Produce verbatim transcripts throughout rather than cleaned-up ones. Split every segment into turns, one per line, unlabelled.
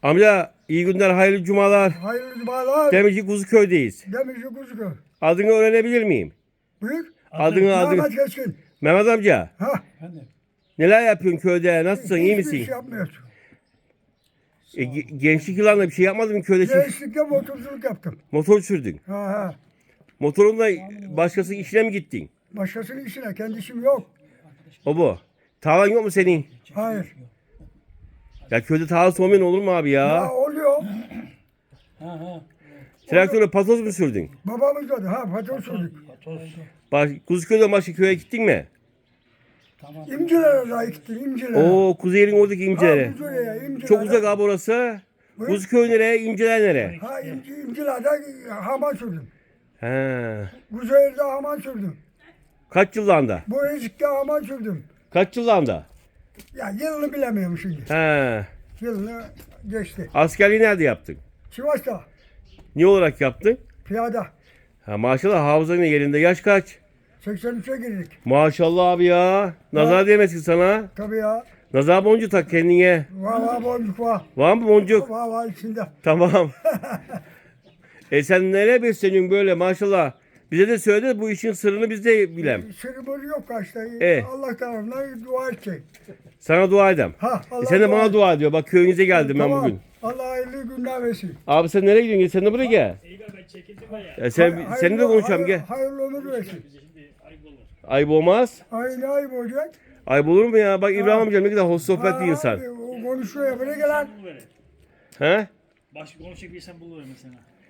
Amca iyi günler, hayırlı cumalar.
Hayırlı cumalar.
Demirci Kuzuköy'deyiz.
Demirci Kuzuköy.
Adını öğrenebilir miyim?
Buyur.
Adını adını.
Mehmet Keskin.
Mehmet amca.
Ha.
Neler yapıyorsun köyde? Nasılsın? İyi
Hiçbir
misin?
şey yapmıyorsun.
E, ge- gençlik yıllarında bir şey yapmadın mı köyde? Şey-
Gençlikte motorculuk yaptım.
Motor sürdün.
Ha ha.
Motorunla başkasının işine mi gittin?
Başkasının işine. Kendi işim yok.
O bu. Tarlan yok mu senin?
Hayır.
Ya köyde tarlası olmayan olur mu abi
Ya
ya?
oluyor.
Traktörle patoz mu sürdün?
Babamız da ha patron sürdük.
Baş, Kuzuköy'den başka köye gittin mi?
İmcilere da gittim. İmcilere.
Oo Kuzeyir'in oradaki
Ha,
imcelere.
Kuzey'e, İmciler'e.
Çok uzak abi orası.
Buyur.
Kuzuköy nereye? İmceler nereye?
Ha İmci, İmciler'de haman sürdüm.
He.
Kuzeyir'de haman sürdüm.
Kaç yıllarında?
Bu ezikte haman sürdüm.
Kaç yıllarında?
Ya yılını bilemiyorum şimdi.
He.
Yılını geçti.
Askerliği nerede yaptın?
Sivas'ta
Ne olarak yaptın?
piyada.
Ha maşallah hafızanın yerinde. Yaş kaç?
seksen üçe girdik.
Maşallah abi ya. Nazar değmesin sana.
Tabii ya.
Nazar boncuğu tak kendine.
Var var boncuk var.
Var mı boncuk?
Var var içinde.
Tamam. E sen nereye besleniyorsun böyle maşallah. Bize de söyle de bu işin sırrını biz de bilem.
Sırrımız yok kaçta.
E.
Allah tarafından dua edecek.
Sana dua edem.
Ha, Allah
E sen de bana dua ediyor. Bak köyünüze geldim ben
Tamam.
bugün.
Allah hayırlı günler versin.
Abi sen nereye gidiyorsun? Sen de buraya gel. E sen,
Hay-
seni de
hayırlı-
konuşalım
hay-
gel.
Hayırlı ömür versin.
Ayıp olmaz.
Ay ne ayıp olacak?
Ayıp olur mu ya? Bak İbrahim amcam ne kadar hoş sohbet bir insan.
abi, o konuşuyor ya buraya gelen.
He?
Başka konuşacak bir insan buluver mesela.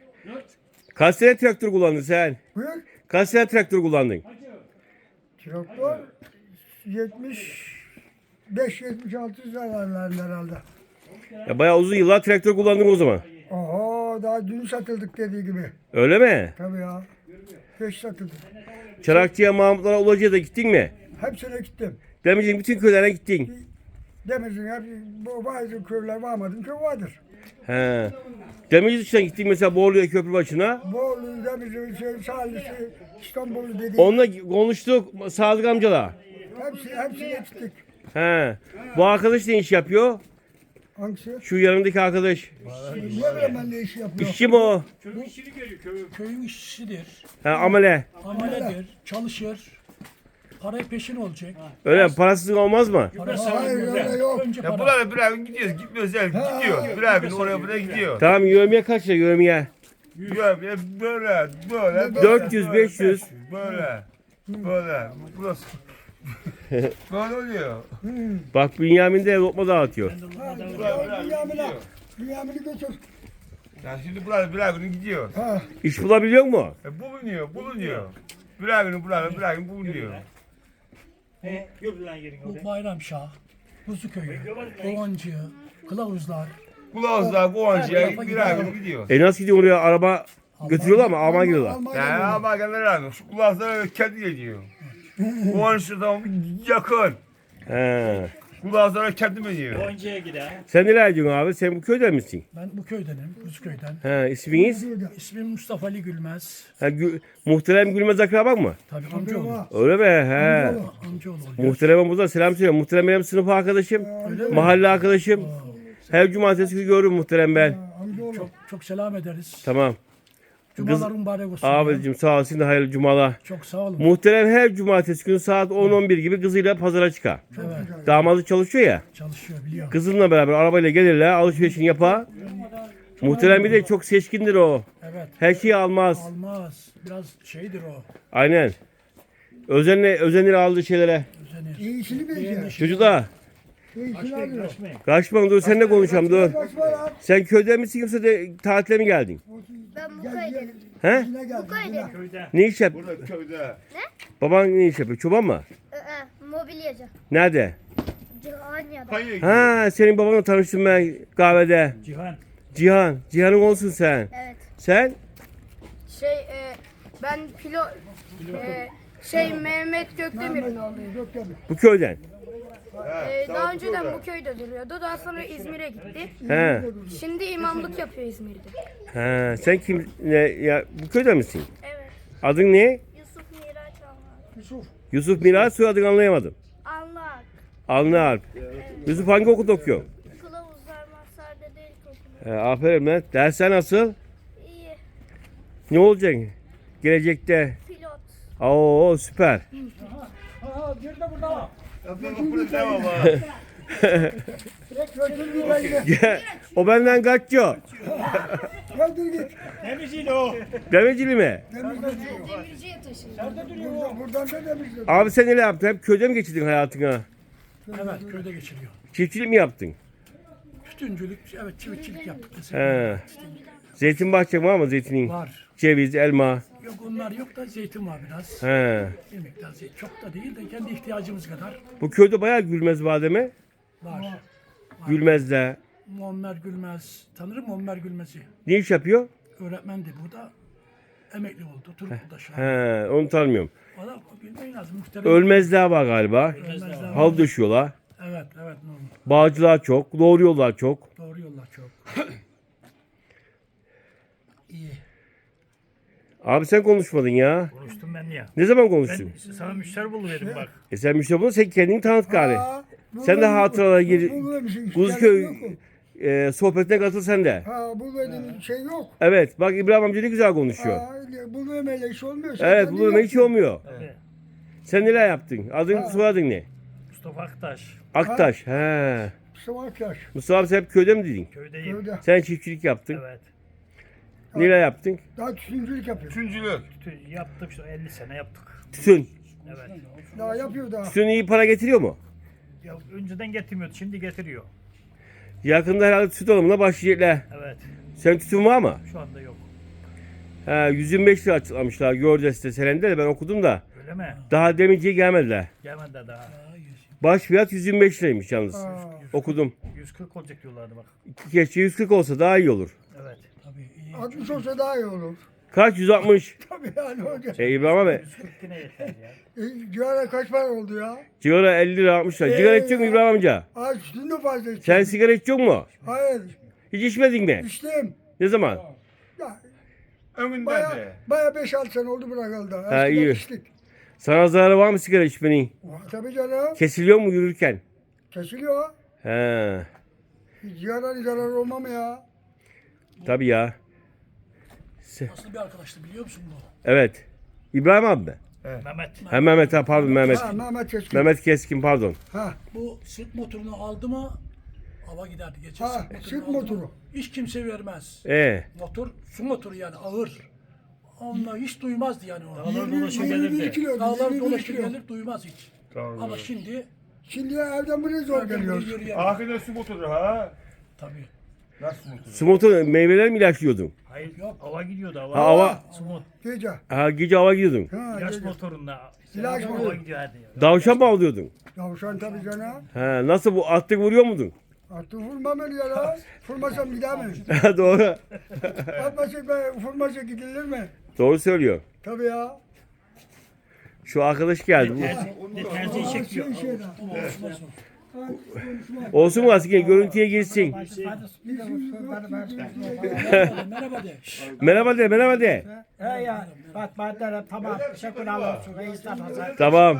Kaç sene traktör kullandın sen?
Buyur.
Kaç sene traktör kullandın?
Traktör yetmiş beş yetmiş altı zamanlarında herhalde.
Ya bayağı uzun yıllar traktör kullandın o zaman.
Oho daha dün satıldık dediği gibi.
Öyle mi?
Tabii ya. Geç satıldık.
Çarakçı'ya, Mahmutlara, Ulacı'ya da gittin mi?
Hepsine gittim.
Demirci'nin bütün köylerine gittin.
Demirci'nin hep bu bazı köyler varmadım köy vardır.
He. Demirci dışına gittin mesela Borlu'ya köprü başına.
Bolu, Demirci, şey, Salih'i, İstanbul'u dedi.
Onunla konuştuk Sadık amcala.
Hepsi, hepsine gittik.
He. Bu arkadaş ne iş yapıyor?
Hangisi?
Şu yanındaki arkadaş.
Ne bileyim ben ne iş yapıyor.
İşçi mi o?
Köyün işçisidir,
He, amele.
ameledir, çalışır, para peşin olacak.
Öyle mi? Parasız olmaz mı?
Hayır öyle yok.
Önce
Ya
para.
buralara bir abi gidiyoruz, gitmiyoruz yani gidiyor. Bir abi oraya buraya gidiyor.
Tamam yövmiye kaç lira yövmiye?
Ya böyle böyle böyle.
dört yüz, beş yüz.
Böyle. Böyle. Burası. Böyle oluyor.
Bak Bünyamin de lokma dağıtıyor.
Ha, Dünyamin'e, Dünyamin'i götür.
Ya şimdi buralara bir abinin gidiyor.
Ha,
İş bulabiliyor mu?
E, bulunuyor, bulunuyor. Bir abinin buralara bir abinin bulunuyor.
He, gördüler yerin
Bu
orada.
Bayramşah, Buzuköy'ü, Kovancı, Kılavuzlar.
Kulağızlar, Kovancı'ya bir abinin gidiyor.
E nasıl gidiyor oraya araba götürüyorlar mı? Alman gidiyorlar.
Almanya'da
Ya
mı?
ama kadar abi şu kulağızlara kendi geliyor. Kovancı tamam yakın.
He.
Kulağızlara kendi mi diyor?
Bonca'ya gider.
Sen neler diyorsun abi? Sen bu köyden misin?
Ben bu köydenim, Buzuköy'den.
He, isminiz?
İsmim Mustafa Ali Gülmez.
Ha, Gü- Muhterem Gülmez akraban mı?
Tabii amcaoğlu.
Var.
Öyle mi? He.
Amcaoğlu oluyor.
Muhterem'e buradan selam söylüyorum. Muhterem benim sınıf arkadaşım. Mahalle arkadaşım. Her cumartesi günü görürüm muhterem ben.
Amcaoğlu.
Çok, çok selam ederiz.
Tamam.
Cumalar mübarek olsun.
Abicim sağ olsun da hayırlı cumalar.
Çok sağ olun.
Muhterem her cumartesi günü saat on on bir gibi kızıyla pazara çıkar.
Evet,
Damadı çalışıyor ya.
çalışıyor biliyorum.
Kızınla beraber arabayla gelirler, alışverişini yapar. Muhterem bir de çok seçkindir o.
Evet,
Her şeyi almaz.
almaz. Biraz şeydir o.
Aynen. Özenle, özenir aldığı şeylere.
Özenir.
İyisini bilecek.
Çocuklar,
İyisini alıyor.
kaçma dur seninle konuşalım dur.
Kaçma lan.
Sen köyden misin yoksa de tatile mi geldin?
Ben bu köydenim.
He?
Yine geldi.
Bu köydenim.
Köyde.
Ne iş yap?
Burada köyde.
Baban ne iş yapıyor? Çoban mı?
Ee, mobilyacı.
Nerede?
Cihanya'da.
Kayaya gidiyor.
Ha, senin babanla tanıştım ben kahvede.
Cihan.
Cihan. Cihan'ın olsun sen.
Evet.
Sen?
Şey e, ben pilo e, şey Mehmet Gökdemir'in oğluyum.
Gökdemir.
Bu köyden.
E, daha önceden bu köyde duruyordu. Daha sonra İzmir'e gitti.
He.
Şimdi imamlık yapıyor İzmir'de.
Ha, sen kim? Ne, ya, bu köyden misin?
Evet.
Adın ne?
Yusuf Miraç Almak.
Yusuf.
Yusuf Miraç, soyadını anlayamadım.
Anlak.
Alnı Alp. Yusuf hangi okulda okuyor?
Kılavuzlar Mazhar Dede başında.
He, aferin lan. Dersler nasıl?
İyi.
Ne olacak? Gelecekte.
Pilot.
Oo süper.
Aha, bir de burada.
Tamam
O benden kaçıyor.
Kaldır git.
Temizliğiyle o.
Demircili mi?
Demirciye taşındı.
Buradan, buradan da demiştim.
Abi sen ne yaptın? Hep köyde mi geçirdin hayatını?
Evet, köyde geçiriyor.
Çiftçilik mi yaptın?
Tütüncülük, evet çiftçilik yaptık.
He. Zeytin bahçen var mı zeytinin?
Var.
Ceviz, elma.
Yok onlar yok da zeytin var biraz.
He.
Bir miktar zeytin. Çok da değil de kendi ihtiyacımız kadar
Bu köyde bayağı gülmez bademe.
var.
Gülmez'de.
Muammer Gülmez. Tanırım Muammer Gülmez'i.
Ne iş yapıyor?
Öğretmendi burada. Emekli oldu. Turgut'ta şu an.
He, onu tanımıyorum.
Valla bilmeyin lazım. Muhterem.
Ölmezler var galiba.
Ölmezler var.
Hal düşüyorlar.
Evet, evet. Normal.
Bağcılar çok, doğruyorlar çok.
Doğru yollar çok. İyi.
Abi sen konuşmadın ya.
Konuştum ben ya.
Ne zaman
Ben
konuştun?
sana müşteri buluverdim bak.
E sen müşteri bulun, sen kendini tanıt gari. Sen de hatıralara gir. Kuzköy e, sohbetine katıl sen de.
Ha bu dediğin şey yok.
Evet, bak İbrahim amca ne güzel konuşuyor.
Ha, bu böyle iş olmuyor. Sen
Evet,
kendin
bu hiç
yaptın.
olmuyor.
Tabii.
Sen neler yaptın? Adın, soyadın ne?
Mustafa Aktaş.
Aktaş. He.
Mustafa Aktaş.
Mustafa abi sen hep köyde mi dedin?
Köydeyim.
Köyde.
Sen çiftçilik yaptın.
Evet.
Neler yaptın?
Daha tütüncülük yapıyor.
Üçüncülük.
Tü- Yaptım işte elli sene yaptık.
Tütün.
Evet.
Daha yapıyor daha.
Tütün iyi para getiriyor mu?
Ya önceden getirmiyordu, şimdi getiriyor.
Yakında herhalde tütün alımına başlayacaklar.
Evet.
Sen tütün var mı?
Şu anda yok.
He, yüz yirmi beş lira açıklamışlar Gördes'te Selen'de de ben okudum da.
Öyle mi?
Daha demirciye gelmediler.
Gelmedi de daha.
Baş fiyat yüz yirmi beş liraymış yalnız.
Ha.
Okudum.
yüz kırk olacak diyorlardı bak.
Keşke yüz kırk olsa daha iyi olur.
Evet.
Tabii iyi.
altmış olsa daha iyi olur.
Kaç? yüz altmış.
Tabii yani hocam.
E İbrahim abi.
yüz kırk yine yeter ya.
E, Cigara kaç para oldu ya?
Sigara elli lira altmış lira. Sigara içecek mi İbrahim amca?
Ay sütün de fazla içtim.
Sen sigara içiyor mu?
Hayır.
Hiç içmedin mi?
İçtim.
Ne zaman?
Ya,
Ömründen
baya,
de.
baya beş altı sene oldu bırakıldı.
Ha,
Eskiden
iyi.
içtik.
Sana zararı var mı sigara içmenin?
Var tabii canım.
Kesiliyor mu yürürken?
Kesiliyor.
He.
Ciğerler zararı olmam mı ya?
Tabii ya.
Nasıl bir arkadaştı biliyor musun bu?
Evet. İbrahim abi mi?
Mehmet.
Ha Mehmet ha pardon Mehmet.
Ha Mehmet Keskin.
Mehmet Keskin pardon.
Ha,
Bu sırt motorunu aldı mı hava giderdi. Geçen
ha
sırt motorunu
sırt
aldı mı,
motoru.
hiç kimse vermez.
E
Motor, su motoru yani ağır. Onunla hiç duymazdı yani o.
Dağlar dolaşıp
yirmi bir
gelirdi.
kilo.
Dağlar
yirmi bir
dolaşır
kilo.
gelir duymaz hiç.
Tamam.
Ama şimdi
Şimdi evden buraya zor geliyoruz.
yürüyen.
Ahirde su motoru ha.
Tabii.
Nasıl motoru?
Smoto meyveler mi ilaçlıyordun?
Hayır
Yok.
hava gidiyordu hava.
Ha, hava.
Smot.
Gece.
Ha gece hava gidiyordun.
Ha,
İlaç
gece.
motorunda.
İlaç
hava
motoru.
gidiyor hadi.
Davşan mı avlıyordun?
Yavşan tabii canım.
Ha, nasıl bu attık vuruyor muydun?
Artık vurmam öyle ya la. Vurmasam gidemem.
Doğru.
Atmasak be, vurmasa gidilir mi?
Doğru söylüyor.
Tabii ya.
Şu arkadaş geldi.
Ne terziyi çekiyor.
Şey, şeyden.
Olsun mu aslında görüntüye girsin.
Merhaba de.
Merhaba de merhaba de.
He ya, bak maddeler tamam. Teşekkür olsun. Reisler hazır.
Tamam.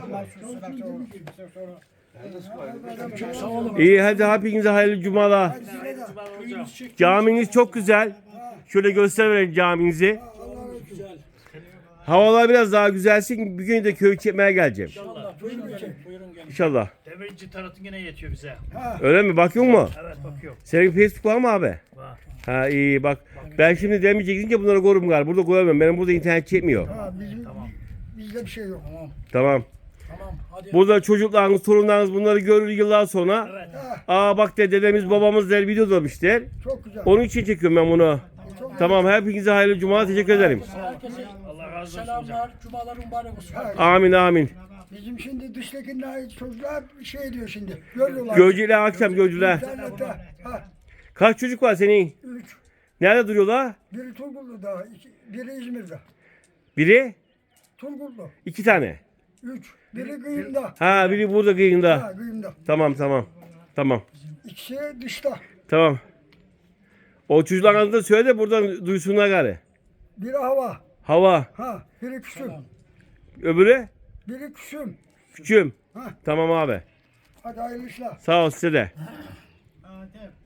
Çok sağ olun.
İyi hadi hepinize hayırlı cumalar. Caminiz çok güzel. Şöyle göster verelim caminizi. Havalar biraz daha güzelsin. Bir gün de köy çekmeye geleceğim.
İnşallah. Buyurun gelin. Buyurun gelin.
İnşallah.
Demirci tarafın yine yetiyor bize.
Öyle mi? Bakıyor mu?
Evet bakıyor.
Senin Facebook var mı abi?
Var.
Ha iyi bak. Ben şimdi demeyecek gidince bunları korum galiba. Burada koyamıyorum. Benim burada internet çekmiyor.
Ha, bizim, bizde bir şey yok.
Tamam.
Tamam.
Tamam. Hadi.
Burada çocuklarınız, torunlarınız bunları görür yıllar sonra.
Evet.
Aa bak de dedemiz babamız der video demişler.
Çok güzel.
Onun için çekiyorum ben bunu. Tamam hepinize hayırlı cuma teşekkür ederim.
Herkese
Allah razı olsun hocam.
selamlar. Cumalar mübarek olsun.
Amin amin.
Bizim şimdi dıştakiler çocuklar şey diyor şimdi. Görüyorlar.
Gözcüler akşam gözcüler.
İnternette. Ha,
Kaç çocuk var senin?
üç.
Nerede duruyorlar?
Biri Turgullu'da, iki, biri İzmir'de.
Biri?
Turgullu.
iki tane.
Üç. Biri Kıyım'da.
Ha biri burada kıyında.
Ha, Kıyım'da.
Tamam tamam. Tamam.
İkisi dışta.
Tamam. O çocukların adını da söyle de buradan duysunlar gari.
Biri hava.
Hava.
Ha, biri küsüm.
Öbürü?
Biri küsüm.
Küçüm.
Ha.
Tamam abi.
Hadi hayırlı işler.
Sağ ol size de.